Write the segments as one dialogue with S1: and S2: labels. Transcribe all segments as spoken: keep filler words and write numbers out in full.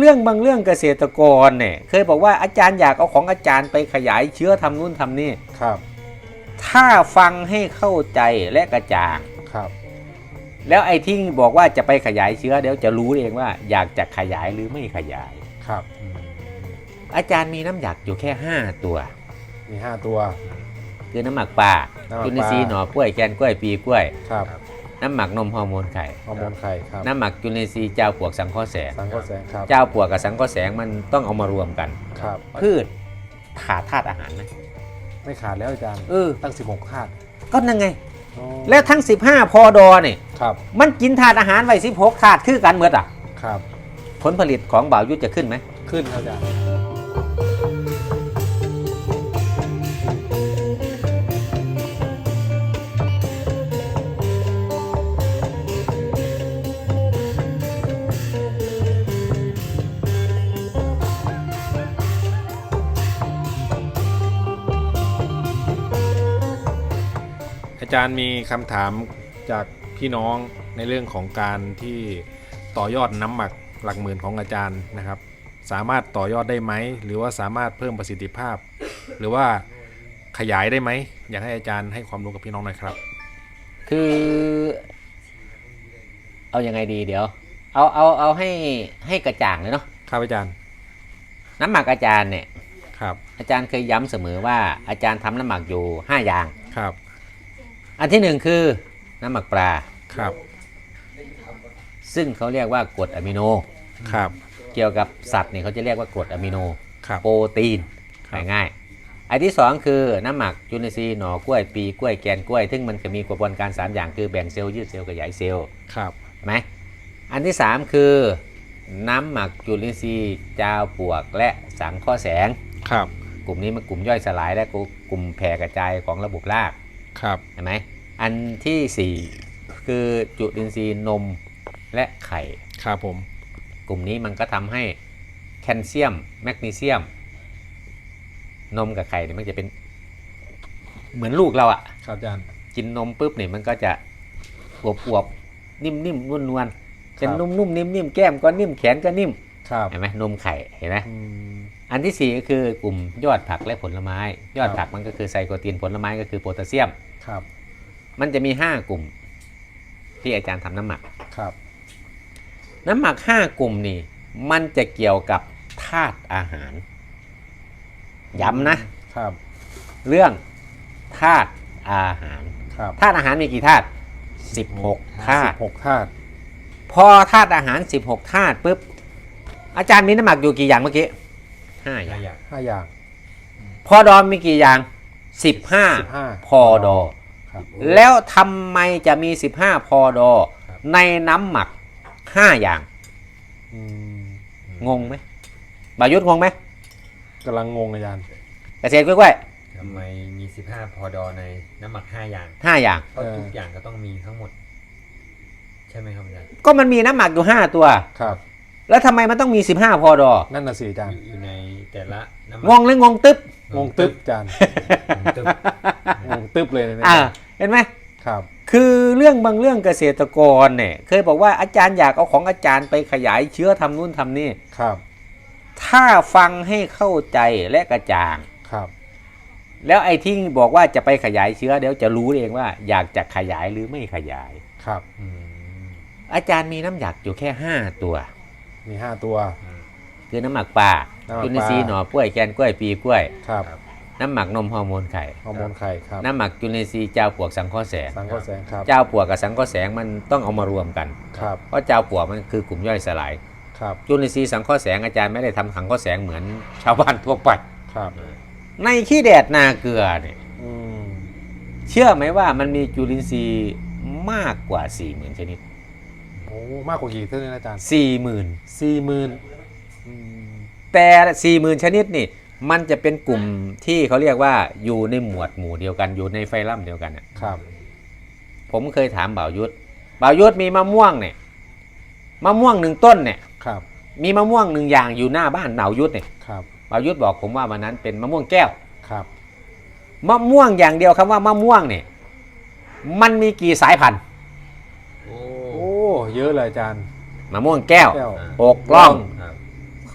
S1: เรื่องบางเรื่องเกษตรกรเนี่ยเคยบอกว่าอาจารย์อยากเอาของอาจารย์ไปขยายเชื้อทำนู่นทำนี่
S2: ครับ
S1: ถ้าฟังให้เข้าใจและกระจ่าง
S2: ครับ
S1: แล้วไอ้ที่บอกว่าจะไปขยายเชื้อเดี๋ยวจะรู้เองว่าอยากจะขยายหรือไม่ขยาย
S2: ครับ
S1: อาจารย์มีน้ำหยักอยู่แค่ห้าตัว
S2: มีห้าตัว
S1: คือน้ำหมักปลาจุลินทรีย์หน่อกล้วยแกนกล้วยปีกล้วย
S2: ครับ
S1: น้ำหมักนมฮอร์โมนไข่
S2: ฮอร์โมนไข่ครับ
S1: น้ำหมักจุลินทรีย์เจ้าปวกสังเคราะห์แสง
S2: สังเคราะห์แสงครับ
S1: เจ้าปวกกับสังเคราะห์แสงมันต้องเอามารวมกัน
S2: ครับ
S1: พืชขาดธาตุอาหารไหม
S2: ไม่ขาดแล้วอาจารย์
S1: เออ
S2: ตั้งสิบหกธาตุ
S1: ก็นั่นไงแล้วทั้งสิบห้าพอดอเนี่ยมันกินธาตุอาหารไว้สิบหกธาตุคือกันเมื่ออ่ะ
S2: ครับ
S1: ผลผลิตของบ่าวยุทธจะขึ้นไหม
S2: ขึ้นครับอาจารย์อาจารย์มีคำถามจากพี่น้องในเรื่องของการที่ต่อยอดน้ำหมักหลักหมื่นของอาจารย์นะครับสามารถต่อยอดได้ไหมหรือว่าสามารถเพิ่มประสิทธิภาพหรือว่าขยายได้ไหมอยากให้อาจารย์ให้ความรู้กับพี่น้องหน่อยครับ
S1: คือเอายังไงดีเดี๋ยวเอาเอาเอาให้ให้กระจ่างเลยเนาะ
S2: ครับอาจารย์
S1: น้ำหมักอาจารย์เนี่ย
S2: ครับ
S1: อาจารย์เคยย้ำเสมอว่าอาจารย์ทำน้ำหมักอยู่ห้าอย่าง
S2: ครับ
S1: อันที่หนึ่งคือน้ำหมักปลา
S2: ครับ
S1: ซึ่งเขาเรียกว่ากรดอะมิโน
S2: ครับ
S1: เกี่ยวกับสัตว์เนี่ยเขาจะเรียกว่ากรดอะมิโน
S2: ครับ
S1: โปรตีนง่ายๆอันที่สองคือน้ำหมักจุลินทรีย์หน่อกล้วยปีกล้วยแกนกล้วยซึ่งมันจะมีกระบวนการสามอย่างคือแบ่งเซลล์ยืดเซลล์ขยายเซลล์
S2: ครับ
S1: ไหมอันที่สามคือน้ำหมักจุลินทรีย์จาวปวกและสังเคราะห์แสง
S2: ครับ
S1: กลุ่มนี้มันกลุ่มย่อยสลายและกลุ่มแผ่กระจายของระบบราก
S2: ครับ
S1: เห็นไหมอันที่สี่คือจุลินทรีย์นมและไข่
S2: ครับผม
S1: กลุ่มนี้มันก็ทำให้แคลเซียมแมกนีเซียมนมกับไข่เนี่ยมันจะเป็นเหมือนลูกเราอะ
S2: ครับอาจารย์
S1: กินนมปุ๊บเนี่ยมันก็จะอวบอวบนิ่มนิ่มนวลนวลเป็นนุ่มนุ่มนิ่มนิ่มแก้มก็นิ่มแขนก็นิ่มเห็นไหมนมไข่เห็นไหมอันที่สี่ก็คือกลุ่มยอดผักและผลไม้ยอดผักมันก็คือไซโคตีนผลไม้ก็คือโพแทสเซียม
S2: ครับ
S1: มันจะมีห้ากลุ่มที่อาจารย์ทำน้ำหมัก
S2: ครับ
S1: น้ำหมักห้ากลุ่มนี่มันจะเกี่ยวกับธาตุอาหารย้ำนะครับเรื่องธาตุอาหารธาตุอาหารมีกี่ธาตุสิบหกธาตุ
S2: สิบหกธาตุ
S1: พอธาตุอาหารสิบหกธาตุปุ๊บอาจารย์มีน้ำหมักอยู่กี่อย่างเมื่อกี้ห้าอย่าง
S2: ห้าอย่าง
S1: พอดอมีกี่อย่างสิบห้าพอดอแล้วทำไมจะมีสิบห้าพอดอในน้ำหมักห้าอย่างงงไหมบายุทธงงไหม
S2: กำลังงงอาจารย์
S1: เกษตรกล้วย
S3: ทำไมมีสิบห้าพอดอในน้ำหมักห้าอย่าง
S1: ห้าอย่าง
S3: เพราะทุกอย่างก็ต้องมีทั้งหมดใช่ไหมครับอาจารย์
S1: ก็มันมีน้ำหมักอยู่ห้าตัว
S2: ครับ
S1: แล้วทำไมมันต้องมีสิบห้าพอดอ
S2: นั่นน่ะสิอาจารย์
S3: อยู่ในแต่ละ
S1: งงหรืองงตึ๊บ
S2: งงตึ๊บอาจารย์งงตึ๊บเลยนะ
S1: อ่าเห็นไหม
S2: ครับ
S1: คือเรื่องบางเรื่องเกษตรกรเนี่ยเคยบอกว่าอาจารย์อยากเอาของอาจารย์ไปขยายเชื้อทำนู่นทำนี่
S2: ครับ
S1: ถ้าฟังให้เข้าใจและกระจ่าง
S2: ครับ
S1: แล้วไอ้ที่บอกว่าจะไปขยายเชื้อเดี๋ยวจะรู้เองว่าอยากจะขยายหรือไม่ขยาย
S2: ครับ
S1: อาจารย์มีน้ำหยักอยู่แค่ห้าตัว
S2: มีห้าตัว
S1: คือน้ำหมักปลาจุลินทรีย์หน่อกล้วยแกนกล้วยปีกล้วย
S2: ครับ
S1: น้ำหมักนมฮอร์โมนไข่
S2: ฮอร์โมนไข่ครับ
S1: น้ำหมักจุลินทรีย์เจ้าปวกสังเคราะห์แสง
S2: สังเคราะห์แสงครับ
S1: เจ้าปวกกับสังเคราะห์แสงมันต้องเอามารวมกัน
S2: ครับ
S1: เพราะเจ้าปวกมันคือกลุ่มย่อยสลาย
S2: ครับ
S1: จุลินทรีย์สังเคราะห์แสงอาจารย์ไม่ได้ทำสังเคราะห์แสงเหมือนชาวบ้านทั่วไป
S2: ครับ
S1: ในขี้แดดนาเกลือเนี่ยเชื่อไหมว่ามันมีจุลินทรีย์มากกว่าสี่หมื่นชนิด
S2: โอ้มากกว่ากี่เท่านั้นอาจารย์
S1: สี่หมื่น
S2: สี่หมื่น
S1: แต่สี่หมื่นชนิดนี่มันจะเป็นกลุ่มที่เขาเรียกว่าอยู่ในหมวดหมู่เดียวกันอยู่ในไฟลัมเดียวกัน
S2: ครับ
S1: ผมเคยถามบ่าวยุทธบ่าวยุทธมีมะม่วงเนี่ยมะม่วงหนึ่งต้นเนี่ย
S2: ครับ
S1: มีมะม่วงหนึ่งอย่างอยู่หน้าบ้านบ่าวยุทธเนี่ย
S2: ครับ
S1: บ่าวยุทธบอกผมว่าวันนั้นเป็นมะม่วงแก้ว
S2: ครับ
S1: มะม่วงอย่างเดียวคำว่ามะม่วงเนี่ยมันมีกี่สายพันธุ์
S2: โอ้เยอะเลยอาจารย์
S1: มะม่วงแก้วหกล่อง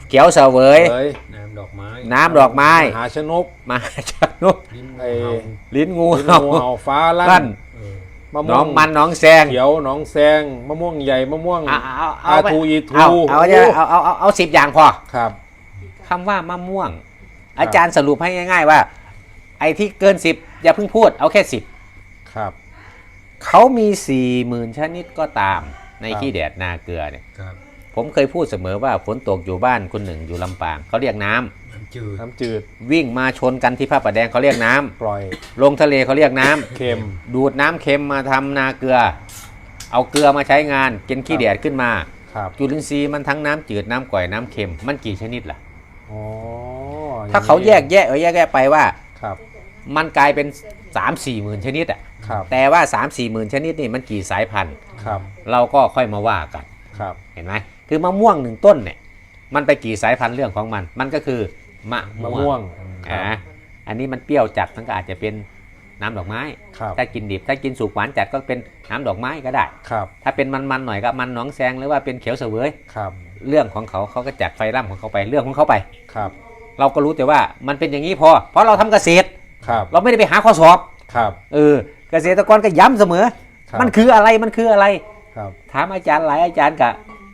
S1: เขียวเสวย
S2: เอ้ย
S3: น้ำดอกไม้
S1: น้ำดอกไม้
S2: มหาชนก
S1: มาจากนุก
S3: ลิ้น
S2: ไอ้
S3: เห่า
S1: ลิ้นงู
S2: ลิ้น
S1: เห่า
S2: งูเห่าฟ้าลั่
S1: ลั่
S2: น
S1: น
S3: เออ
S2: มะ
S1: ห
S2: ม่
S1: น้
S2: ว
S1: อง งมันหน้องแซง
S2: เขียวหนองแซงมะม่วงใหญ่มะม่วง
S1: เอาเอา
S2: อา
S1: เอาไป
S2: ทูอีทู
S1: เอาเอาจะเอาเอาเอาเอาสิบอย่างพอ
S2: ครับ
S1: คำว่ามะม่วง อาจารย์สรุปให้ง่าย ๆ ว่า ไอ้ที่เกินสิบอย่าเพิ่งพูดเอาแค่สิบ
S2: ครับ
S1: เขามีสี่หมื่นชนิดก็ตามใน
S2: ครับ
S1: ขี้แดดนาเกลือเนี่ย
S3: ครับ
S1: ผมเคยพูดเสมอว่าฝนตกอยู่บ้านคนหนึ่งอยู่ลำปางเขาเรียกน้ำ
S3: น้ำจืด
S2: น้ำจืด
S1: วิ่งมาชนกันที่พระประแดงเขาเรียกน้ำ
S2: ปล่อย
S1: ลงทะเลเขาเรียกน้ำ
S2: เค็ม
S1: ดูดน้ำเค็มมาทำนาเกลือ เอาเกลือมาใช้งานกินขี้แดดขึ้นมา
S2: ครับ
S1: จุลินทรีย์มันทั้งน้ำจืดน้ำก่อยน้ำเค็มมันกี่ชนิดล่ะ
S2: อ๋อ
S1: ถ้าเขาแยกแยะเออแยกแยะไปว่า
S2: ครับ
S1: มันกลายเป็น สามสี่ หมื่นชนิดอ่ะ
S2: ครับ
S1: แต่ว่า สามสี่ หมื่นชนิดนี่มันกี่สายพันธุ์
S2: ครับ
S1: เราก็ค่อยมาว่ากัน
S2: ครับ
S1: เห็นไหมคือมะม่วงหนึ่งต้นเนี่ยมันไปกี่สายพันธุ์เรื่องของมัน มันก็คือมะ
S2: มะ
S1: ม่
S2: ม่
S1: ว
S2: ว
S1: ง
S2: ง
S1: อ่าอันนี้มันเปรี้ยวจัดมันก็อาจจะเป็นน้ำดอกไม้
S2: ครับ
S1: ถ้ากินดิบถ้ากินสุกหวานจัดก็เป็นน้ำดอกไม้ก็ได้
S2: ครับ
S1: ถ้าเป็นมันๆหน่อยก็มันหนองแซงหรือว่าเป็นเขียวเสวย
S2: ครับ
S1: เรื่องของเขาเขาก็จัดไฟร่ำของเขาไปเรื่องของเขาไป
S2: ครับ
S1: เราก็รู้แต่ว่ามันเป็นอย่างนี้พอ เพราะเราทำเกษตร
S2: ครับ
S1: เราไม่ได้ไปหาข้อสอบ
S2: ครับ
S1: เออเกษตรกรก็ย้ำเสมอ
S2: ครับ
S1: มันคืออะไรมันคืออะไร
S2: ครับ
S1: ถามอาจารย์หลายอาจารย์กะ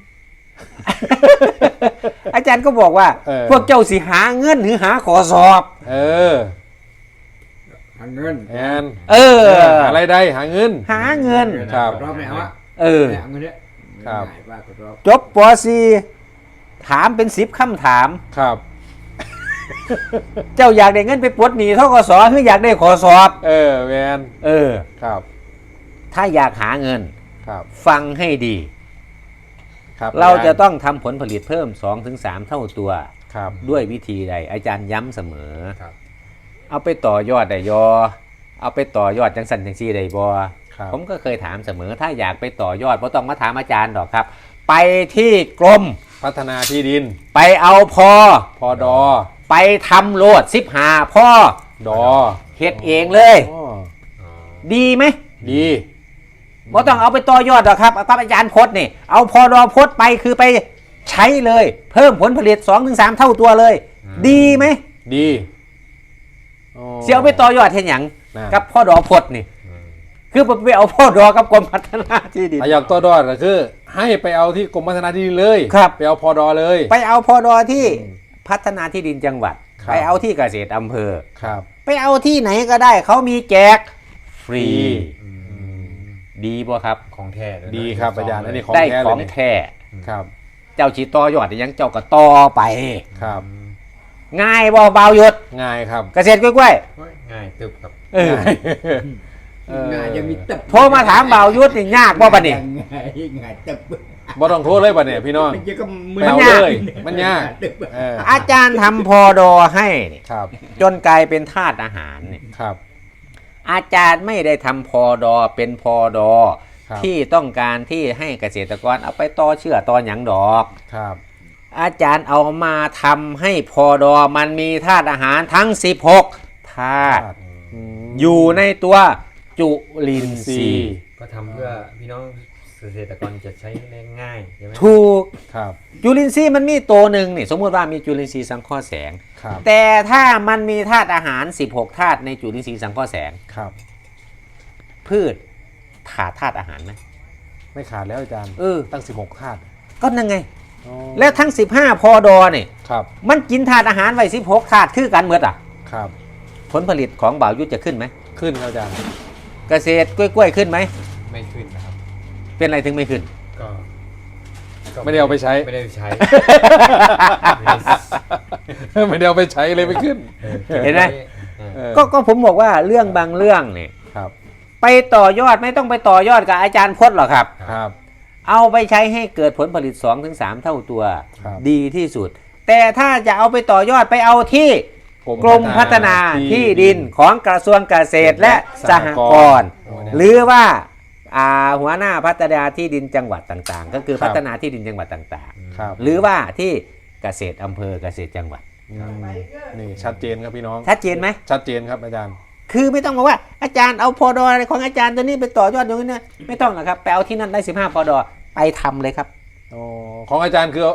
S1: อาจารย์ก็บอกว่า
S2: เออ
S1: พวกเจ้าสิหาเงินหรือหาขอสอบ
S2: เออ
S4: หาเงิน
S2: แอน
S1: เออ
S2: หาอะไรได้หาเงิน
S1: หาเงิน
S2: ครับ
S4: รอบไหนวะ
S1: เออ
S4: เนี่ยเงินเนี่ย
S2: ครับ
S4: ง่ายว่ากดรอบ
S1: จบป .สี่ ถามเป็นสิบคำถาม
S2: ครับ
S1: เจ้าอยากได้เงินไปปลดหนี้ทกสหรืออยากได้ขอสอบ
S2: เออแมน
S1: เออ
S2: ครับ
S1: ถ้าอยากหาเงิน
S2: ครับ
S1: ฟังให้ดี
S2: ครับ
S1: เราจะต้องทำผลผลิตเพิ่ม สองถึงสาม เท่าตัว
S2: ครับ
S1: ด้วยวิธีใด อาจารย์ย้ำเสมอ
S3: ครับ
S1: เอาไปต่อยอดได้ยอ เอาไปต่อยอดจังสันจังซีได้บอ
S2: ครับ
S1: ผมก็เคยถามเสมอ ถ้าอยากไปต่อยอดไม่ต้องมาถามอาจารย์หรอกครับ ไปที่กรม
S2: พัฒนาที่ดิน
S1: ไปเอาพอ
S2: พอดอ
S1: ไปทำโลดสิบหาพ่อ
S2: ดอ
S1: เฮ็ดเองเลย
S2: อ๋อ
S3: อ๋อ
S1: ดีไหม
S2: ดี
S1: ไม่ต้องเอาไปต่อยอดหรอกครับครับอาจารย์พจน์นี่เอาพอดอพจน์ไปคือไปใช้เลย เพิ่มผลผลิต สองถึงสาม เท่าตัวเลย ดีไหม
S2: ดีอ๋อ
S1: เสียเอาไปต่อยอดเห็นอย่าง
S2: น่ะ
S1: กับพ่อดอพจน์นี่
S3: อืม
S1: คือไปเอาพ่อดอกับกรมพัฒนาที่ดิน
S2: ถ้าอยากต่อดอก็คือ ให้ไปเอาที่กรมพัฒนาที่ดินเลย
S1: ครับ
S2: ไปเอาพอดอเลย
S1: ไปเอาพอดอที่พัฒนาที่ดินจังหวัด
S2: ครับ
S1: ไปเอาที่เกษตรอำเภอ
S2: ครับ
S1: ไปเอาที่ไหนก็ได้เขามีแจกฟรี
S3: อืม
S1: ดีบ่ครับ
S3: ของแท้เลยนะ
S2: ดีครับอาจารย์อันนี้ของ
S1: ได้
S2: แท้
S1: ข
S2: เล
S1: อย ง
S2: นี่
S1: แท้
S2: ครับ
S1: เจ้าชีต่อยอดยังเจ้าก็ต่อไป
S2: ครับ
S1: ง่ายบ่เบาหยุด
S2: ง่ายครับ
S1: เกษตรกล้วย
S3: โอ้ยง่ายตึบครับ
S1: ๆเออ
S2: ง่ายเออ
S4: ง่ายยังมีตึบ
S1: โทรมาถามเบาหยุดนี่ยากบ่ปะนี่
S4: ง่ายง่ายตึบ
S2: บ่ต้องโทษเลยป่ะเนี่ยพี่น้อง
S4: มันจะก็
S2: ไปเอาเลย มันยาก
S4: ตึบ
S2: เออ
S1: อาจารย์ทำพอดอให้นี่
S2: ครับ
S1: จนกลายเป็นธาตุอาหารนี่
S2: ครับ
S1: อาจารย์ไม่ได้ทำพอดอเป็นพอดอ
S2: ครับ
S1: ที่ต้องการที่ให้เกษตรกรเอาไปต่อเชื่อต่อหยังดอก
S2: ครับ
S1: อาจารย์เอามาทำให้พอดอมันมีธาตุอาหารทั้งสิบหกธาตุ
S2: อืม
S1: อยู่ในตัวจุลินทรีย์
S3: ก็ทำเพื่อพี่น้องเกษตรกรจะใช้ได้ง่ายใช่ไหม
S1: ถูก
S2: ครับ
S1: จุลินทรีย์มันมีตัวหนึ่งนี่สมมติว่ามีจุลินทรีย์สังเคราะห์แสง
S2: ครับ
S1: แต่ถ้ามันมีธาตุอาหาร สิบหกธาตุในจุลินทรีย์สังเคราะห์แสง
S2: ครับ
S1: พืชขาดธาตุอาหารไหม
S2: ไม่ขาดแล้วอาจารย์
S1: เออ
S2: ตั้งสิบหกธาตุ
S1: ก็นั่นไง
S2: อ๋อ
S1: และทั้งสิบห้าพอดอเนี่ย
S2: ครับ
S1: มันกินธาตุอาหารไว้สิบหกธาตุคือกันเหมือนอ่ะ
S2: ครับ
S1: ผลผลิตของบ่าวยุทธจะขึ้นไหม
S2: ขึ้นครับอาจารย์
S1: เกษตรกล้วยๆขึ้นไหม
S3: ไม่ขึ้นนะครับ
S1: เป็นอะไรถึงไม่ขึ้น
S3: ก็ก็
S2: ไม่ได้เอาไปใช้
S3: ไม่ได้เอาไปใช้
S2: ไม่ได้เอาไปใช้เลยไม่ขึ้น
S1: เห็นไหม
S3: เออ
S2: เออ
S1: ก็ก็ผมบอกว่าเรื่องบางเรื่องเนี่ย
S2: ครับ
S1: ไปต่อยอดไม่ต้องไปต่อยอดกับอาจารย์พจน์หรอกครับ
S2: ครับ
S1: เอาไปใช้ให้เกิดผลผลิต สองถึงสาม เท่าตัว
S2: ครับ
S1: ดีที่สุด แต่ถ้าจะเอาไปต่อยอดไปเอาที่กรมพัฒนาที่ดินของกระทรวงเกษตรและสหกรณ์หรือว่าอ่าหัวหน้าพัฒนาที่ดินจังหวัดต่างๆ ก็คือพัฒนาที่ดินจังหวัดต่าง
S2: ครับ
S1: ๆ หรือว่าที่เกษตรอำเภอเกษตรจังหวัด
S2: อืมนี่ชัดเจนครับพี่น้อง
S1: ชัดเจนไหม
S2: ชัดเจนครับอาจารย์
S1: คือไม่ต้องบอกว่าอาจารย์เอาพอดอของอาจารย์ตัวนี้ไปต่อยอดอย่างนี้นะไม่ต้องหรอกครับไปเอาที่นั่นได้สิบห้าพอดอไปทำเลยครับ
S2: อ๋อของอาจารย์คือเอา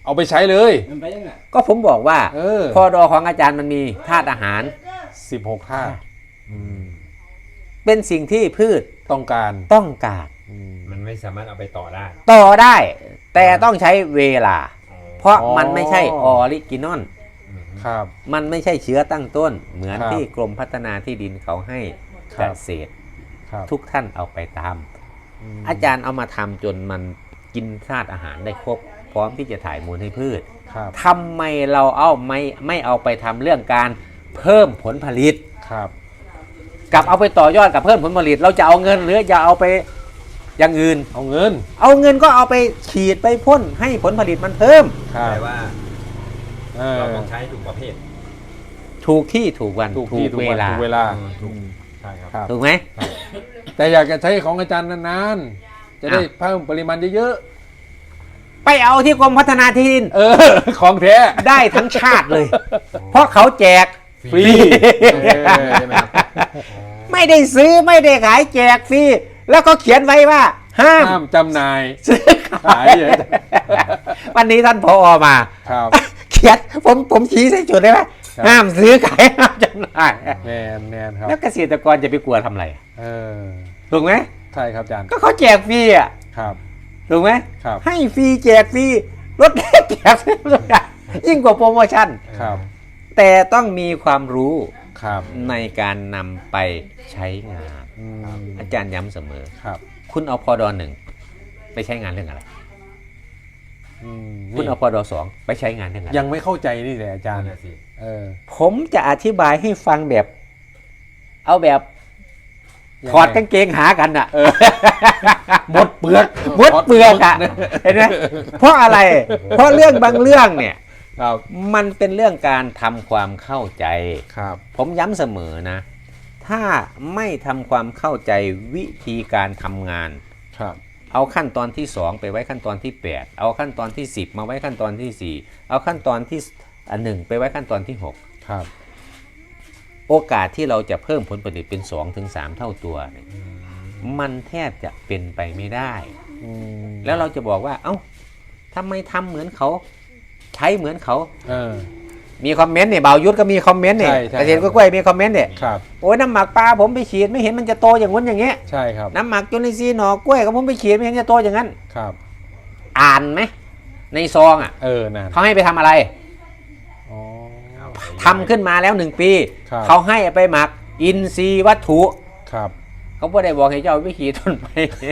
S2: เอาไปใช้เลย
S4: มันไปยังไง
S1: ก็ผมบอกว่า
S2: เออ
S1: พอดอของอาจารย์มันมีธาตุอาหาร
S2: สิบหกธาตุอืม
S1: เป็นสิ่งที่พืช
S2: ต้องการ
S1: ต้องการ
S2: อืม
S3: มันไม่สามารถเอาไปต่อได้
S1: ต่อได้ แต่ต้องใช้เวลา เพราะ
S2: อ๋อ
S1: มันไม่ใช่ออริจินอล
S2: ครับ
S1: มันไม่ใช่เชื้อตั้งต้น เหมือน
S2: ครับ
S1: ที่กรมพัฒนาที่ดินเขาให้
S2: ค
S1: เก
S2: รับ
S1: ษตร
S2: ครับ
S1: ทุกท่านเอาไปตาม
S2: ม
S1: อาจารย์เอามาทำจนมันกินธาตุอาหารได้ครบ พร้อมที่จะถ่ายมูลให้พืช
S2: ครับ
S1: ทำไมเราเอาไม่ไม่เอาไปทำเรื่องการเพิ่มผลผลิต
S2: ครับ
S1: กับเอาไปต่อยอดกับเพิ่มผลผลิต เราจะเอาเงินหรือจะเอาไปอย่างอื่น
S2: เอาเงิน
S1: เอาเงินก็เอาไปฉีดไปพ่นให้ผลผลิตมันเพิ่ม
S2: ครับ
S3: แต่ว่า
S2: เออ
S3: เราต้องใช้ถูกประเภท
S1: ถูกที่ถูกวัน
S2: ถูกที่ถูก
S1: เว
S2: วัน
S1: ลา
S2: ถูกเวลา
S3: ถูก ใช่ครับ
S2: ครับ
S1: ถูกไหม
S2: แต่อยากจะใช้ของอาจารย์นานๆ จะได้
S1: อ่ะ
S2: เพิ่มปริมาณเยอะ
S1: ไปเอาที่กรมพัฒนาที่ดิน
S2: ๆ เออ ของแท้
S1: ได้ทั้งชาติเลย เพราะเขาแจก
S2: ฟรี
S3: เออใช่ไหมครับ
S1: ไม่ได้ซื้อไม่ได้ขายแจกฟรีแล้วก็เขียนไว้ว่า ห้าม
S2: ห้ามจำหน่าย
S1: ซื้อขา
S2: ขาย
S1: ย
S2: เยอะ
S1: วันนี้ท่านพอมา
S2: ครับ
S1: เขียนผมผมชี้ใส่จุดได้ไหม
S2: ครับ
S1: ห้ามซื้อขายห้ามจำหน่าย
S2: แมนแมนครับ
S1: แล้วเกษตรกรจะไปกลัวทำอะไร
S2: เออ
S1: ถูกไหม
S2: ใช่ครับอาจารย์
S1: ก็เขาแจกฟรีอ่ะ
S2: ครับ
S1: ถูกไหม
S2: ครับ
S1: ให้ฟรีแจกฟรีลดแลกแจกฟรีทุกอย่างยิ่งกว่าโปรโมชั่น
S2: ครับ
S1: แต่ต้องมีความรู้
S2: ครับ
S1: ในการนำไปใช้งาน
S2: อืม
S1: อาจารย์ย้ำเสมอ
S2: ครับ
S1: คุณเอาพอดอหนึ่งไปใช้งานเรื่องอะไร
S2: อืม
S1: คุณ
S2: นี่
S1: เอาพอดอสองไปใช้งานเรื่องอะไร
S2: ยังไม่เข้าใจนี่แหละอาจารย์
S3: นั่นน่ะสิ
S2: เออ
S1: ผมจะอธิบายให้ฟังแบบ เอาแบบ
S2: ยังไง
S1: ถอดกางเกงหากันอ่ะ
S2: หมดเปลือก
S1: มดเปลือกอ่ะเห็นไหมเพราะอะไร เพราะเรื่องบางเรื่องเนี่ย
S2: ครับ
S1: มันเป็นเรื่องการทำความเข้าใจ
S2: ครับ
S1: ผมย้ำเสมอนะ ถ้าไม่ทำความเข้าใจวิธีการทำงาน
S2: ครับ
S1: เอาขั้นตอนที่สองไปไว้ขั้นตอนที่แปดเอาขั้นตอนที่สิบมาไว้ขั้นตอนที่สี่เอาขั้นตอนที่อันหนึ่งไปไว้ขั้นตอนที่หก
S2: ครับ
S1: โอกาสที่เราจะเพิ่มผลผลิตเป็นสองถึงสามเท่าตัวเนี่ยมันแทบจะเป็นไปไม่ได้
S2: อืม
S1: แล้วเราจะบอกว่า เอ้าทำไมทำเหมือนเขา ใช้เหมือนเขา
S2: เออ
S1: มีคอมเมนต์เนี่ยบ่าวยุทธก็มีคอมเมนต์เนี่ย
S2: ใช่ใช่
S1: เกษตรกล้วยๆมีคอมเมนต์เนี่ย
S2: ครับ
S1: โอ้ยน้ำหมักปลาผมไปฉีดไม่เห็นมันจะโตอย่างนู้นอย่างเงี้ย
S2: ใช่ครับ
S1: น้ำหมักจุลินทรีย์หน่อกล้วยก็ผมไปฉีดไม่เห็นจะโตอย่างนั้น
S2: ครับ
S1: อ่านไหมในซองอ่ะ
S2: เออนั่น
S1: เขาให้ไปทำอะไร
S2: อ๋อ
S1: ทำขึ้นมาแล้วหนึ่งปี
S2: ครับ
S1: เขาให้ไปหมักอินทรีย์วัตถุ
S2: ครับ
S1: เขาไม่ได้บอกให้เจ้าไปขีดต้นไม้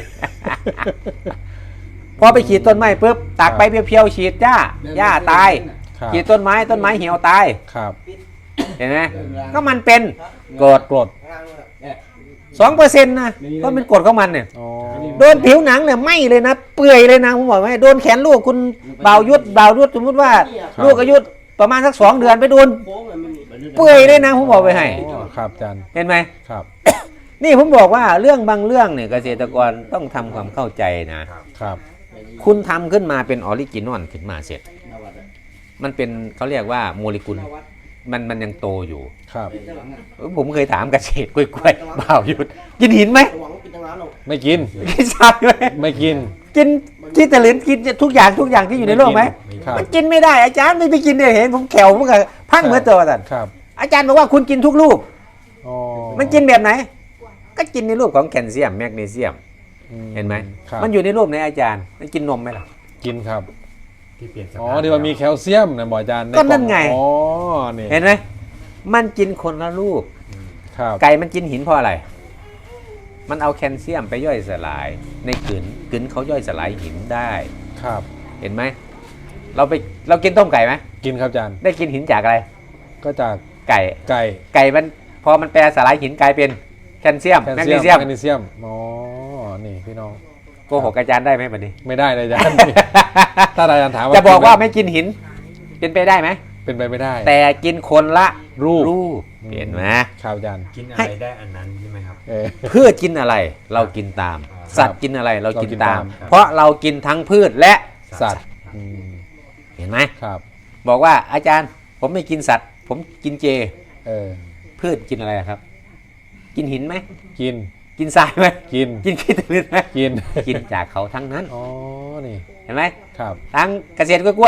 S1: พอไปขีดต้นไม้ปุ๊บตากไปเพียวๆฉีดหญ้าหญ้าตาย
S2: ครับ
S1: ขีดต้นไม้ต้นไม้เหี่ยวตาย
S2: ครับ
S1: เห็นไหมก็มันเป็นกรด
S2: กรด
S1: สองเปอร์เซ็นต์นะก็เป็นกรดของมันเนี่ย
S2: อ๋อ
S1: โดนผิวหนังเนี่ยไหม้เลยนะ เปื่อยเลยนะผมบอกให้โดนแขนลูกคุณบ่าวยุทธบ่าวยุทธสมมติว่าลูกอายุประมาณสักสองเดือนไปโดนเปื่อยเลยนะผมบอกไปให้
S2: อ๋อครับอาจารย์
S1: เห็นไหม
S2: ครับ
S1: นี่ผมบอกว่าเรื่องบางเรื่องเนี่ยเกษตรกรต้องทำความเข้าใจนะ
S2: ครับ
S1: คุณทำขึ้นมาเป็นออริจินอลขึ้นมาเสร็จ มันเป็นเขาเรียกว่าโมเลกุลมันมันยังโตอยู่
S2: ครับ
S1: ผมเคยถามเกษตรกล้วยๆบ่าวยุทธกินหินไหม
S2: ไม่กิน
S1: กินทรายไหม
S2: ไม่กิน
S1: กินกินตะลินกินทุกอย่างทุกอย่างที่อยู่ในโลกไหม
S2: ครับ
S1: มันกินไม่ได้อาจารย์ไม่ไปกินเนี่ยเห็นผมแขวผมกับพังเหมือนตัวท่าน
S2: ครับ
S1: อาจารย์บอกว่าคุณกินทุกรูป
S2: อ๋อ
S1: มันกินแบบไหน ก็กินในรูปของแคลเซียมแมกนีเซียม
S2: อื
S1: เห็นไหม
S2: ครับ
S1: มันอยู่ในรูปในอาจารย์มันกินนมไหมล่ะ
S2: กินครับ
S3: ที่เปลี่ยนสภาพ
S2: อ๋อที่ว่ามีแคลเซียมนะหมออาจารย์
S1: ก็นั่นไง
S2: อ๋อนี่
S1: เห็นไหมมันกินคนละรูป
S2: ครับ
S1: ไก่มันกินหินเพราะอะไร มันเอาแคลเซียมไปย่อยสลาย ในกลืนกลืนเขาย่อยสลายหินได้
S2: ครับ
S1: เห็นไหมเราไปเรากินต้มไก่ไหม
S2: กินครับอาจารย์
S1: ได้กินหินจากอะไร
S2: ก็จาก
S1: ไก่
S2: ไก่
S1: ไก่มันพอมันแปลสลายหินกลายเป็นแคลเซียม
S2: แคล
S1: แมก
S2: เซี
S1: นี
S2: ยม
S1: เซียม
S2: แมกนีเซียมอ๋อนี่พี่น้อง
S1: โกหกอาจารย์ได้ไหมบัดนี้
S2: ไม่ได้เลยอาจารย์ ถ้าอาจารย์ถามว่า
S1: จะบอกว่าไม่กินหิน เป็นไปได้ไหม
S2: เป็นไปไม่ได้
S1: แต่กินคนละ
S2: รูป
S1: รูปเห็นไหม
S2: ครับอาจารย์
S3: กินอะ
S1: ให้
S3: ไรได้อันนั้นใช่ไหมครับ
S2: เออ
S1: พืชกินอะไรเรากินตาม
S3: ครับ
S1: สัตว์กินอะไรเรากิน
S2: เรากิน
S1: ตา
S2: ตาม ม
S1: เพราะเรากินทั้งพืชและ
S2: สัตว์อืม
S1: เห็นไหม
S2: ครับ
S1: บอกว่าอาจารย์ผมไม่กินสัตว์ ผมกินเจ
S2: เออ
S1: พืชกินอะไรครับ กินหินไหม
S2: กิน
S1: กินทรายไหม
S2: กิน
S1: กินขี้ตะลึงไหม
S2: กิน
S1: กินจากเขาทั้งนั้น
S2: อ๋อนี่
S1: เห็นไหม
S2: ครับ
S1: ทั้งเกษตรกล้วยๆ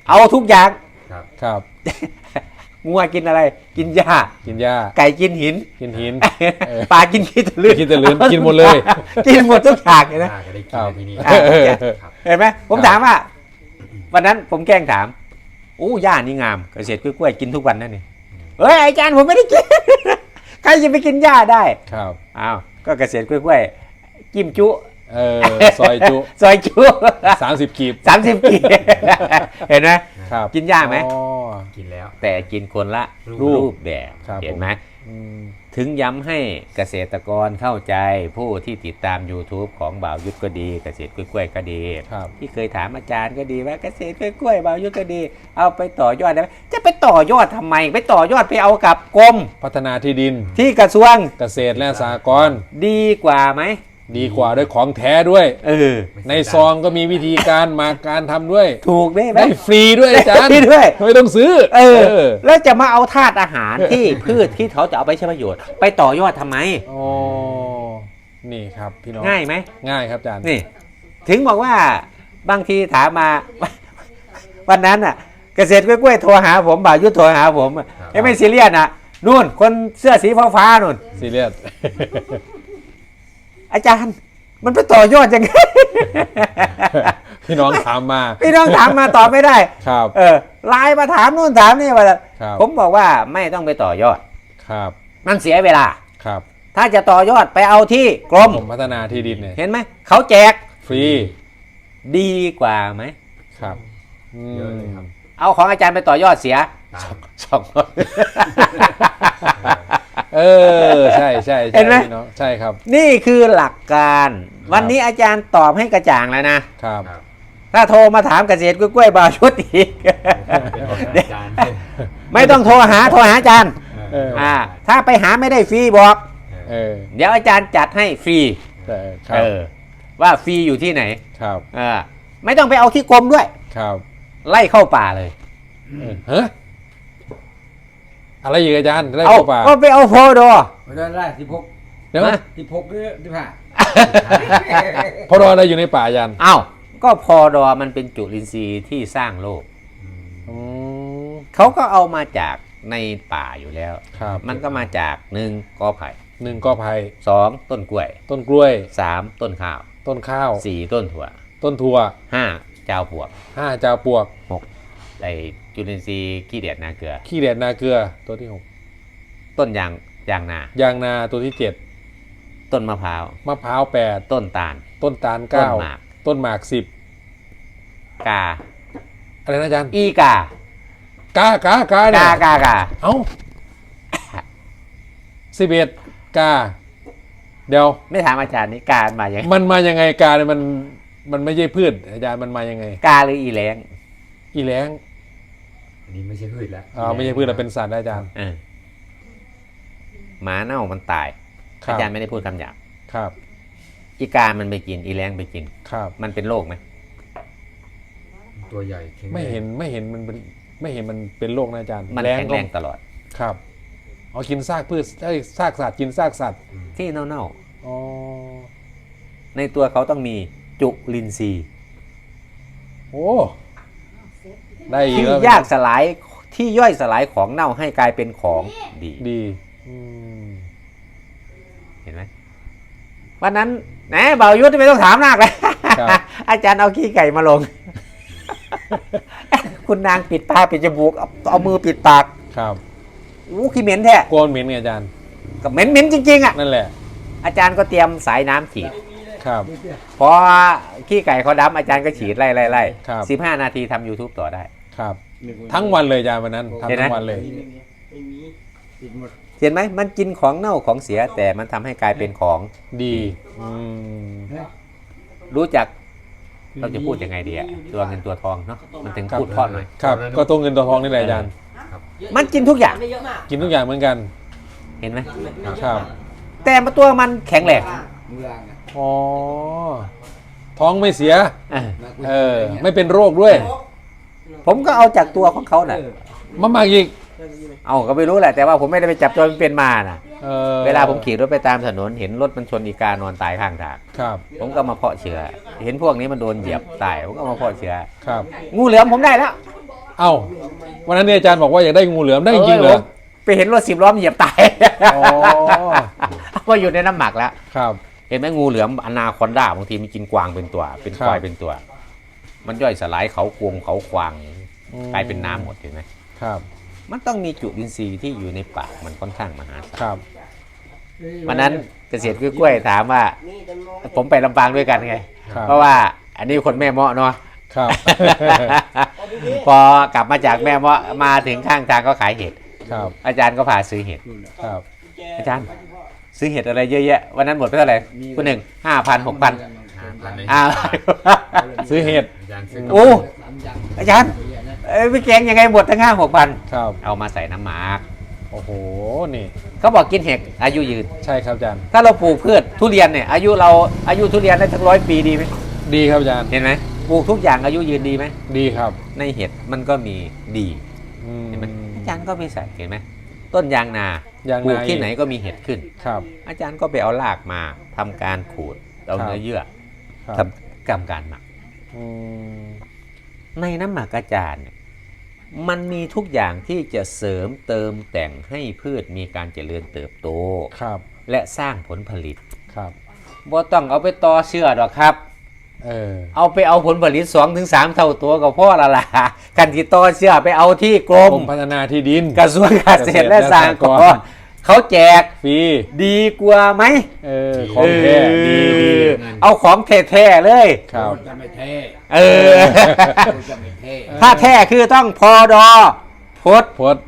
S1: เอาทุกอย่าง
S3: ครับ
S2: ครับ
S1: งัวกินอะไร กินหญ้า
S2: กินหญ้า
S1: ไก่กินหิน
S2: กินหิน เออ
S1: ปลากินขี้ตะลืน
S2: ขี้ตะลืนกินหมดเลย
S1: กินหมดทุกอย่างเลยนะ
S3: น่าจะได้กิ
S2: คน รับ
S3: ในที่นี้
S1: อ่า
S3: ครับ
S1: เห็นไหมผม
S2: ครับ
S1: ถามว่า วันนั้นผมแกล้งถามโอ้ย่านี่งามเกษตรกล้วยๆกินทุกวันนั่นนี่เฮ้ยอาจารย์ผมไม่ได้กิน ใครจะไปกินหญ้าได้
S2: ครับ
S1: อ้าวก็เกษตรกล้วยๆจิ้มจุ
S2: เออซอยจุ
S1: ซอยจุ
S2: สามสิบกีบ
S1: สามสิบกี เห็นไหม
S2: ครับ
S1: กินหญ้าไหม
S2: อ๋อ
S3: กินแล้ว
S1: แต่กินคนละ
S2: รูป
S1: รูปแบบ
S2: ครับ
S1: เห็นไหม
S2: อืม
S1: ถึงย้ำให้เกษตรกรเข้าใจผู้ที่ติดตาม YouTube ของบ่าวยุทธก็ดี เกษตรกล้วยๆก็ดี
S2: ครับ
S1: ที่เคยถามอาจารย์ก็ดีว่าเกษตรกล้วยๆบ่าวยุทธก็ดี เอาไปต่อยอดได้ไหมจะไปต่อยอดทำไม ไปต่อยอดไปเอากับกรม
S2: พัฒนาที่ดิน
S1: ที่กระทรวง
S2: เกษตรและสหกรณ์
S1: ดีกว่าไหม
S2: ดีกว่าด้วยของแท้ด้วย
S1: เออ
S2: ในซองก็มีวิธีการมาการทำด้วย
S1: ถูกได้ไหม
S2: ได้ฟรีด้วยอาจารย์
S1: ได้ด้วย
S2: ไม่ต้องซื้อ
S1: เออ
S2: เออ
S1: แล้วจะมาเอาธาตุอาหารที่ พืชที่เขาจะเอาไปใช้ประโยชน์ ไปต่อยอดทำไม
S2: อ๋อนี่ครับพี่น้อง
S1: ง่ายไหม
S2: ง่ายครับอาจารย์
S1: นี่ ถึงบอกว่าบางทีถามมา วันนั้นอ่ะ เกษตรกล้วยๆโทรหาผมบ่าวยุทธโทรหาผมอะ
S3: ครับ
S1: ไอ้ไม่ซีเรียสอ่ะนู่นคนเสื้อสีฟ้าๆนู่น
S2: ซีเรียส
S1: อาจารย์ มันไปต่อยอดยังไง
S2: พี่น้องถามมา
S1: พี่น้องถามมาตอบไม่ได้
S2: ครับ
S1: เออไลน์มาถามนู่นถามนี่ว่า
S2: ครับ
S1: ผมบอกว่าไม่ต้องไปต่อยอด
S2: ครับ
S1: มันเสียเวลา
S2: ครับ
S1: ถ้าจะต่อยอดไปเอาที่กรม
S2: ผมพัฒนาที่ดินเนี่ย
S1: เห็นไหมเขาแจก
S2: ฟรี
S1: ดีกว่าไหม
S2: ครับอืม
S3: เยอะเลยครับ
S1: เอาของอาจารย์ไปต่อยอดเสีย
S3: ตาม
S1: สองร้อย
S2: เออใช่ใช่ใช่
S1: เห็นไหม
S2: พี่น้องใช่ครับ
S1: นี่คือหลักการ วันนี้อาจารย์ตอบให้กระจ่างแล้วนะ
S2: ครับ
S3: ครับ
S1: ถ้าโทรมาถามเกษตรกล้วยๆบาวชุดอีก
S3: เป็นของอาจารย์
S1: ไม่ต้องโทรหาโทรหาอาจารย์
S2: เออ
S1: อ่า ถ้าไปหาไม่ได้ฟรีบอก
S2: เออ
S1: เดี๋ยวอาจารย์จัดให้ฟรี
S2: แต่ครั
S1: เอบ อ ว่าฟรีอยู่ที่ไหน
S2: ครับ
S1: เออไม่ต้องไปเอาที่กรมด้วย
S2: ครับ
S1: ไล่เข้าป่าเลย
S2: เออฮะอะไรอีกอาจารย์ได้
S1: เอา
S2: เข้าป่า
S1: ก็ไปเอาโพดอ
S4: ไม่ได้ไล่สิบหก
S2: เดี๋ยว
S1: นะ
S4: สิบหกหรือสิบห้า
S2: พอรออะไรอยู่ในป่าอาจารย์
S1: เอ้าก็พอดอมันเป็นจุลินทรีย์ที่สร้างโลก
S2: อืม
S1: เขาก็เอามาจากในป่าอยู่แล้ว
S2: ครับ
S1: มันก็มาจากหนึ่งกอไผ่
S2: หนึ่งก็ไผ่
S1: สองต้นกล้วย
S2: ต้นกล้วย
S1: สามต้นข้าว
S2: ต้นข้าว
S1: สี่ต้นถั่ว
S2: ต้นถั่ว
S1: ห้าเจ้าปวก
S2: ห้าจาวปลวก
S1: ไอจุลินทรีย์ขี้เดียดนาเกลือ
S2: ขี้แดดนาเกลือตัวที่หก
S1: ต้นยางยางนาย
S2: างนาตัวที่เจ็ด
S1: ต้นมะพร้าว
S2: มะพร้าวแปด
S1: ต้นตาล
S2: ต้นตาล
S1: ต้น
S2: เก้า
S1: หมาก
S2: ต้นหมากสิบ
S1: กา
S2: อะไรนะอาจารย์
S1: อีกาก
S2: ากากาเนี่ย
S1: กากากา
S2: เอ้าสิบเอ็ดกา เดี๋ยว
S1: ไม่ถามอาจารย์นี่กามาอย่างไง
S2: มันมายังไงกาเนี่ยมันมันไม่ใช่พืชอาจารย์มันมายังไง
S1: กาหรืออีแรง
S2: อีแล้ง
S3: อันนี้ไม่ใช่พืชแล้ว
S2: อ่าไม่ใช่พืชแล้วเป็นสัตว์นะอาจารย์
S1: เออหมาเน่ามันตาย
S2: ครั
S1: อา
S2: บ
S1: จารย์ไม่ได้พูดคำหยาบ
S2: ครับ
S1: อีกามันไปกินอีแรงไปกิน
S2: ครับ
S1: มันเป็นโรคไหม
S3: ตัวใหญ่แข็งแรง
S2: ไม่เห็นไม่เห็นมันเป็นไม่เห็นมันเป็นโรคนะอาจารย์
S1: มัน
S2: ล้
S1: แข็งแรง
S2: ก็
S1: ตลอด
S2: ครับเอากินซากพืชเอ้ยซากสัตว์กินซากสัตว์
S1: ที่เน่า
S2: อ๋อ
S1: ๆในตัวเขาต้องมีจุลินทรีย์
S2: โอ้ได้อีก
S1: ที่
S2: แล้ว
S1: ยากสลายที่ย่อยสลายของเน่าให้กลายเป็นของดี
S2: ดีอืม
S1: เห็นไหมวันนั้นแหนเบายุทธไม่ต้องถามนักเลย
S2: ครับ
S1: อาจารย์เอาขี้ไก่มาลง คุณนางปิดปากปิดจมูกเอาเอามือปิดปาก
S2: ครับ
S1: อู้ขี้เหม็นแท้
S2: โกนเหม็นไงอาจารย์
S1: ก็เหม็นเหม็นจริงๆอ่ะ
S2: นั่นแหละ
S1: อาจารย์ก็เตรียมสายน้ำฉีด
S2: ครับ
S1: พอขี้ไก่เขาดำอาจารย์ก็ฉีดไล่ไล่ไล่
S2: ครับ
S1: สิบห้านาทีทำ YouTube ต่อได้
S2: ครับ ทั้งวันเลยอาจารย์วันนั้น
S1: เห็น
S2: ทำ
S1: ไหม
S2: ทั้งวันเลย
S4: ไม่มีติดหมด
S1: เห็นไหมมันกินของเน่าของเสียแต่มันทำให้กลายเป็นของ
S2: ดีอืม
S1: รู้จักเราจะพูดยังไงดีอะตัวเงินตัวทองเนาะมันถึงพูดเพราะหน่อย
S2: ครับก็ตัวเงินตัวทองนี่แหละอาจารย์
S1: มันกินทุกอย่าง
S2: กินทุกอย่างเหมือนกัน
S1: เห็นไหม
S2: ครับ
S1: แต่มาตัวมันแข็งแรง
S4: มือล่างนะ
S2: อ๋อท้องไม่เสีย
S1: เออ
S2: เออไม่เป็นโรคด้วย
S1: ผมก็เอาจากตัวของเขาน่ะ
S2: มามาอีก
S1: เอาก็ไม่รู้แหละแต่ว่าผมไม่ได้ไปจับตัวมันเป็นมาน่ะ
S2: ออ
S1: เวลาผมขี่รถไปตามถนนเห็นรถมันชนอีกานอนตายข้างทาง
S2: ครับ
S1: ผมก็มาเพาะเชื้อ เห็นพวกนี้มันโดนเหยียบตายผมก็มาเพาะเชื้อ
S2: ครับ
S1: งูเหลือมผมได้แล้ว
S2: เอ้าวันนั้นเนี่ยอาจารย์บอกว่าอยากได้งูเหลือมได้จริงๆเหรอ
S1: ไปเห็นรถสิบล้อมเหยียบตาย
S2: อ๋อ
S1: ว่าอยู่ในน้ำหมักแล้ว
S2: ครับ
S1: เห็นไหมงูเหลือมอนาคอนดาบางทีมันกินกวางเป็นตัว เป็นควาย
S2: ครับ
S1: เป็นตัว มันย่อยสลายเขากวงเขาควาง
S2: อืม
S1: กลายเป็นน้ำหมดเห็นไหม
S2: ครับ
S1: มันต้องมีจุลินทรีย์ที่อยู่ในปากมันค่อนข้างมหาศาล
S2: ครับ
S1: วันนั้นเกษตรกล้วยๆถามว่า ผมไปลำปางด้วยกันไง
S2: ครับ
S1: เพราะว่าอันนี้คนแม่เมาะเนาะ
S2: ครับ
S1: พอกลับมาจากแม่เมาะมาถึงข้างทางก็ขายเห็ด
S2: ครับ
S1: อาจารย์ก็พาซื้อเห็ด
S2: ครับ
S1: อาจารย์ซื้อเห็ดอะไรเยอะแยะวันนั้นหมดไปเท่าไหร่คุณหนึ่งห้าพันหกพัน
S3: พันเลย
S1: อ้าว
S2: ซื้อเห็ด
S3: อาจารย์ซื้อ
S1: โอ้อาจารย์เอ้ยพี่แกงยังไงหมดทั้งห้าหกพัน
S2: ครับ
S1: เอามาใส่น้ำหมาก
S2: โอ้โหนี่
S1: เขาบอกกินเห็ดอายุยืน
S2: ใช่ครับอาจารย์
S1: ถ้าเราปลูกพืชทุเรียนเนี่ยอายุเราอายุทุเรียนได้ทั้งร้อยปีดีไหม
S2: ดีครับอาจารย์
S1: เห็นไหมปลูกทุกอย่างอายุยืนดีไหม
S2: ดีครับ
S1: ในเห็ดมันก็มีดี
S2: อืม
S1: เห็นไหมอาจารย์ก็ไปใส่เห็นไหมต้นยางนาย
S2: าง
S1: ปลูก
S2: นา
S1: ที่ไหนก็มีเห็ดขึ้น
S2: ครับ
S1: อาจารย์ก็ไปเอารากมาทำการขูดเอา
S2: ครับ
S1: เนื้อเยื่อ
S2: ครับ
S1: ทำกรรมการหมัก
S2: อืม
S1: ในน้ำหมักอาจารย์เนี่ยมันมีทุกอย่างที่จะเสริมเติมแต่งให้พืชมีการเจริญเติบโต
S2: ครับ
S1: และสร้างผลผลิต
S2: ครับ
S1: บ่ต้องเอาไปต่อเชื่อหรอกครับ
S2: เออ
S1: เอาไปเอาผลผลิต สองถึงสาม เท่าตัวก็พอละล่ะกันที่ต่อเชื่อไปเอาที่กร
S2: ก
S1: ม
S2: รมพัฒนาที่ดิน
S1: กระทรวงเกษตรและสหกรณ์เขาแจก
S2: ฟรี
S1: ดีกว่าไหม
S2: เออของแท้
S1: เออ
S2: ดีดี
S1: เอาของแท้ๆเลย
S2: ครับ
S4: จะไม่เท่
S1: เออ
S4: จะไม่เท่
S1: ถ้าแท้คือต้องพอดอพด
S2: พด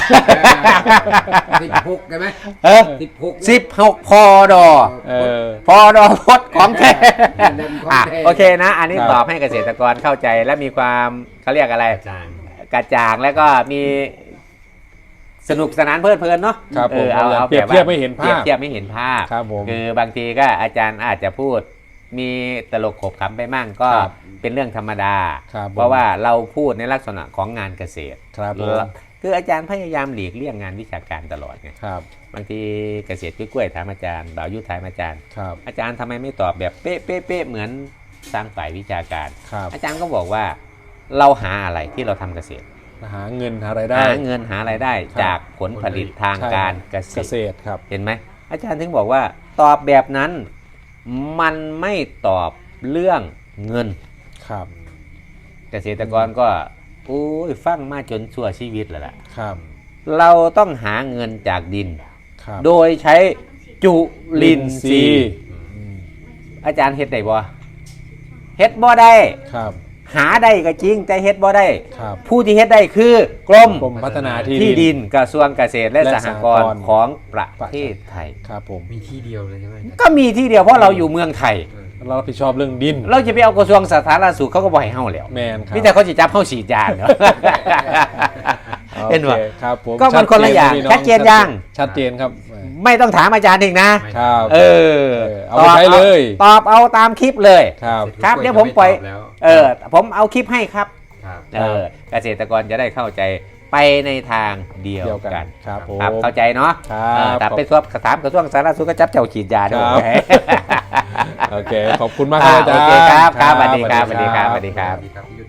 S4: สิบหกได้ไหม
S1: เออ
S4: สิบหก
S1: สิบหกพอดอ
S2: เออ
S1: พอดอพดของแท้
S4: ของ
S1: อ่ะ
S4: แท้
S1: โอเคนะ อันนี้
S2: ครับ
S1: ตอบให้เกษตรกรเข้าใจและมีความเขาเรียกอะไร
S3: อาจารย์
S1: กระจ่างแล้วก็มีสนุกสนานเพลิดเพลินเนาะ
S2: ครับ
S1: เอ
S2: ผม
S1: อเอาเอา
S2: เปรียบ
S1: แบบว่า
S2: เทียบไม่เห็นภาพ
S1: เปรียบเทียบไม่เห็นภาพ
S2: ครับผม
S1: คือบางทีก็อาจารย์อาจจะพูดมีตลกขบขำไปมั่งก็
S2: ครับ
S1: เป็นเรื่องธรรมดา
S2: ครับผม
S1: เพราะว่าเราพูดในลักษณะของงานเกษตร
S2: ครับผม
S1: คืออาจารย์พยายามหลีกเลี่ยงงานวิชาการตลอดไง
S2: ครับ
S1: บางทีเกษตรกล้วยๆถามอาจารย์บ่าวยุทธถามอาจารย์
S2: ครับ
S1: อาจารย์ทำไมไม่ตอบแบบเป๊ะเป๊ะเป๊ะเหมือนสร้างฝ่ายวิชาการ
S2: ครับ
S1: อาจารย์ก็บอกว่าเราหาอะไรที่เราทำเกษตร
S2: หาเงินหารายได้
S1: หาเงินหารายได้
S2: ครับ
S1: จากผลผลิตทาง
S2: ใช่
S1: การเกษ
S2: เกษ
S1: ตร
S2: ตรครับ
S1: เห็นไหมอาจารย์ถึงบอกว่าตอบแบบนั้นมันไม่ตอบเรื่องเงิน
S2: ครับ
S1: เกษตรกรก็โอ้ยฟังมาจนชั่วชีวิตแล้วล่ะ
S2: ครับ
S1: เราต้องหาเงินจากดิน
S2: ครับ
S1: โดยใช้จุลินทรีย์
S2: อืม
S1: อาจารย์เฮ็ดได้บ่เฮ็ดบ่ได้
S2: ครับ
S1: หาได้ก็จริงแต่เฮ็ดบ่ได้
S2: ครับ
S1: ผู้ที่เฮ็ดได้คือกรม
S2: กรมพัฒนาที่
S1: ที่
S2: ดิ
S1: ดิ
S2: น
S1: นกระทรวงเกษตรและ
S2: และ
S1: สหกร
S2: สหกรณ์
S1: ณ์ของประเทศไทย
S2: ครับผม
S3: มีที่เดียวเลยใช่ไหมอาจารย์
S1: ก็มีที่เดียวเพราะเราอยู่เมืองไทย
S3: เออ
S2: เรารับผิดชอบเรื่องดิน
S1: เราจะไปเอากระทรวงสาธารณสุขเขาก็บ่ให้เฮาแล้ว
S2: แมนครับ
S1: มีแต่เขาสิจับเฮาฉีดยาเนาะ เห็น
S2: โอ
S1: ว่า
S2: คครับผม
S1: ก็มันคนละอย่าง
S2: พี่
S1: ชัดเจนยัง
S2: ชัดเจนครับ
S1: ไม่ต้องถามอาจารย์อีกนะ
S2: ครับ
S1: เออ
S2: เออเอาไปใช้เลย
S1: ตอบเอาตามคลิปเลย
S2: ครับ
S1: ครับเดี๋ยวผมปล่อย
S3: แล้ว
S1: เออผมเอาคลิปให้ครับ
S3: ครับ
S1: เออเกษตรกรจะได้เข้าใจไปในทางเดียว
S2: เดียวกั
S1: กัน
S2: นครับผม
S1: ครับเข้าใจเนาะ
S2: ครับ
S1: เออแต่ไปทวบถามกระทรวงสาธารณสุขก็จับเจ้าฉีดยาด้วย
S2: ครับ โอเค ขอบคุณมากครับอาจารย์
S1: โอเคครับครับสวัสดีครับสวัสดีครับสวัสดีครับ
S3: สวัสดีครับพี่ยุทธ